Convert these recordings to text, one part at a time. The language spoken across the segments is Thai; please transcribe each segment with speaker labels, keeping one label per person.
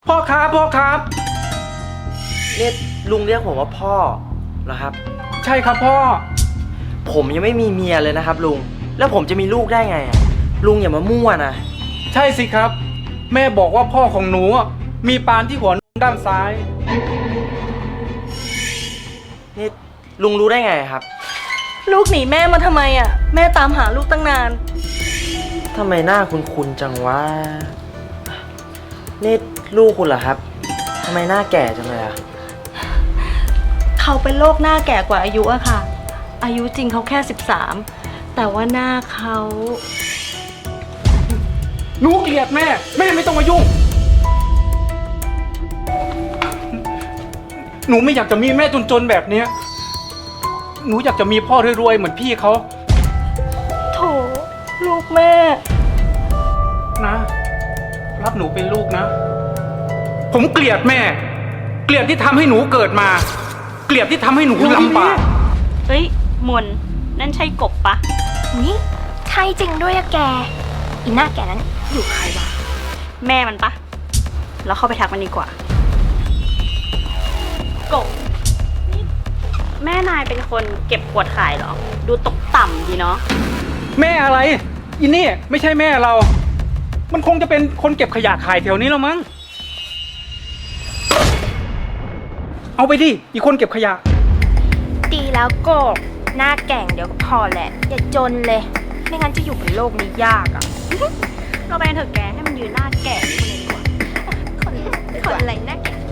Speaker 1: พ่อครับพ่อครับ
Speaker 2: นี่ลุงเรียกผมว่าพ่อเหรอครับ
Speaker 1: ใช่ครับพ่อ
Speaker 2: ผมยังไม่มีเมียเลยนะครับลุงแล้วผมจะมีลูกได้ไงอะลุงอย่ามามั่วนะ
Speaker 1: ใช่สิครับ แม่บอกว่าพ่อของหนูมีปานที่หัวด้านซ้าย
Speaker 2: นี่ลุงรู้ได้ไงครับ
Speaker 3: ลูกหนีแม่มาทำไมอ่ะแม่ตามหาลูกตั้งนาน
Speaker 2: ทำไมหน้าคุ้นๆจังวะนี่ลูกคุณเหรอครับทำไมหน้าแก่จังเลยอะ
Speaker 3: เขาเป็นโรคหน้าแก่กว่าอายุอะค่ะ อายุจริงเขาแค่13แต่ว่าหน้าเขา
Speaker 1: หนูเกลียดแม่แม่ไม่ต้องมายุ่ง หนูไม่อยากจะมีแม่จนๆแบบเนี้ยหนูอยากจะมีพ่อรวยๆเหมือนพี่เขา
Speaker 3: โถลูกแม่
Speaker 1: นะรับหนูเป็นลูกนะ ผมเกลียดแม่ เกลียดที่ทำให้หนูเกิดมา เกลียดที่ทำให้หนูลำบาก
Speaker 4: เฮ้ยมนนั่นใช่กบปะ
Speaker 5: นี่ใช่จริงด้วยอะแก อีหน้าแกนั้นอยู่ใครวะ
Speaker 4: แม่มันปะเราเข้าไปทักมันดีกว่า กบนี่แม่นายเป็นคนเก็บขวดขายเหรอ ดูตกต่ำดีเนาะ
Speaker 1: แม่อะไรอินนี่ไม่ใช่แม่เรา มันคงจะเป็นคนเก็บขยะขายแถวนี้แล้วมั้งเอาไปดิอีกคนเก็บขยะ
Speaker 5: ดีแล้วโกบหน้าแก่งเดี๋ยวก็พอแหละ อย่าจนเลย ไม่งั้นจะอยู่บนโลกนี้ยากอะ
Speaker 4: เราไปกันเถอะแกให้มันยืนหน้าแก่นี่คนเลยดีกว่า
Speaker 5: คนอะไรหน้าแก่ง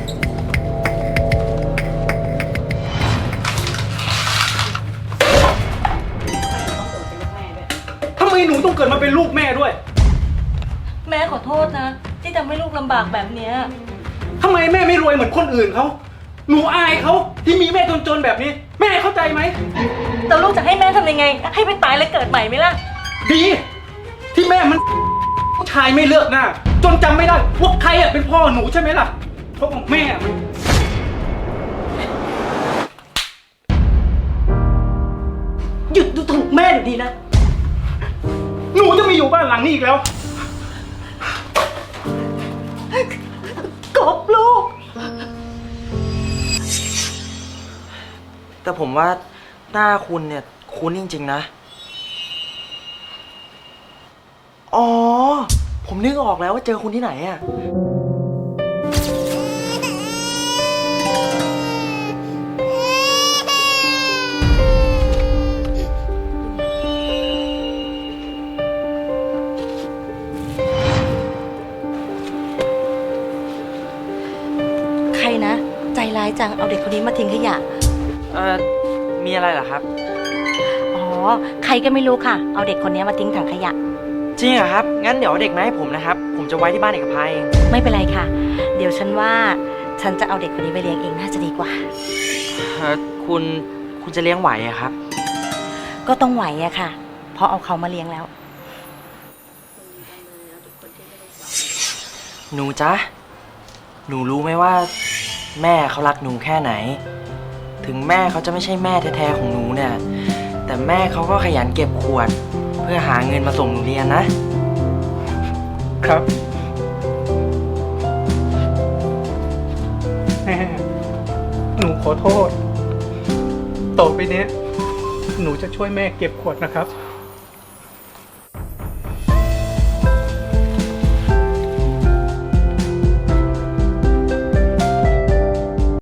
Speaker 1: ทำไมหนูต้องเกิดมาเป็นลูกแม่ด้วย
Speaker 3: แม่ขอโทษนะ ที่ทำให้ลูกลำบากแบบเนี้ย
Speaker 1: ทำไมแม่ไม่รวยเหมือนคนอื่นเขา หนูอายเขาที่มีแม่จนๆแบบนี้ แม่เข้าใจไหม
Speaker 3: แต่ลูกจะให้แม่ทำยังไง ให้ไปตายแล้วเกิดใหม่ไหมล่ะ
Speaker 1: ดี ที่แม่มันผู้ชายไม่เลือกหน้า จนจำไม่ได้ว่าใครอะเป็นพ่อหนูใช่ไหมล่ะ เพราะของแม่มัน
Speaker 3: หยุดดูถูกแม่เดี๋ยวนี้นะ
Speaker 1: หนูจะไม่อยู่บ้านหลังนี้อีกแล้ว
Speaker 3: กบลูก
Speaker 2: แต่ผมว่าหน้าคุณเนี่ยคุ้นจริงๆนะอ๋อผมนึกออกแล้วว่าเจอคุณที่ไหนอะ
Speaker 3: ใครนะ ใจร้ายจังเอาเด็กคนนี้มาทิ้งขยะ
Speaker 2: มีอะไรเหรอครับ
Speaker 3: อ๋อ ใครก็ไม่รู้ค่ะ เอาเด็กคนนี้มาทิ้งถังขยะ
Speaker 2: จริงเหรอครับ งั้นเดี๋ยวเอาเด็กมาให้ผมนะครับ ผมจะไว้ที่บ้านเอกภัยเอง
Speaker 3: ไม่เป็นไรค่ะ เดี๋ยวฉันว่าฉันจะเอาเด็กคนนี้ไปเลี้ยงเองน่าจะดีกว่า
Speaker 2: คุณจะเลี้ยงไหวอะครับ
Speaker 3: ก็ต้องไหวอะค่ะ เพราะเอาเขามาเลี้ยงแล้ว
Speaker 2: หนูจ๊ะ หนูรู้ไหมว่าแม่เขารักหนูแค่ไหน ถึงแม่เขาจะไม่ใช่แม่แท้ๆของหนูเนี่ย แต่แม่เขาก็ขยันเก็บขวด เพื่อหาเงินมาส่งหนูเรียนนะ
Speaker 1: ครับ แม่ หนูขอโทษ ต่อไปเนี้ย หนูจะช่วยแม่เก็บขวดนะครับ